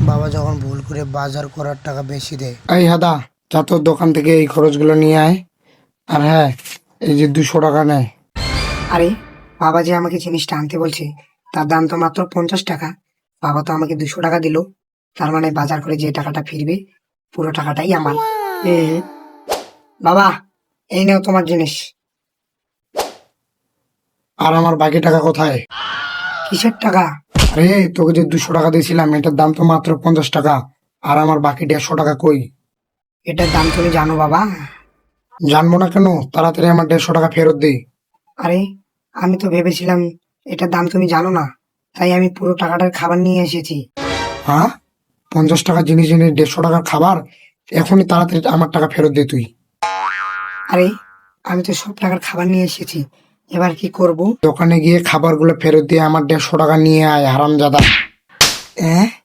বাবা যখন ভুল করে বাজার করার টাকা বেশি দেয়। এই হাদা, যা তোর দোকান থেকে এই খরচগুলো নিয়ে আয়। আর হ্যাঁ, এই যে 200 টাকা নেয়। আরে বাবা যে আমাকে জিনিসটা আনতে বলছে তার দাম তো মাত্র 50 টাকা। বাবা তো আমাকে 200 টাকা দিল, তার মানে বাজার করে যে টাকাটা ফিরবে পুরো টাকাটাই আমার। এ বাবা, এই নাও তোমার জিনিস। আর আমার বাকি টাকা কোথায়? কিসের টাকা? আরে তোকে যে 200 টাকা দিয়েছিলাম এটার দাম তো মাত্র 50 টাকা। আর আমার বাকি 150 টাকা কই? এটার দাম তুমি জানো বাবা? জানবো না কেন? তাড়াতাড়ি আমার 150 টাকা ফেরত দে। আরে আমি তো ভেবেছিলাম এটার দাম তুমি জানো না, তাই আমি পুরো টাকাটার খাবার নিয়ে এসেছি। হ্যাঁ, 50 টাকা জিনিস এনে 150 টাকার খাবার? এখনই তাড়াতাড়ি আমার টাকা ফেরত দে তুই। আরে আমি তো সব টাকার খাবার নিয়ে এসেছি, এবার কি করব? দোকানে গিয়ে খাবারগুলো ফেরত দিয়ে আমার 150 টাকা নিয়ে আয়, হারামজাদা।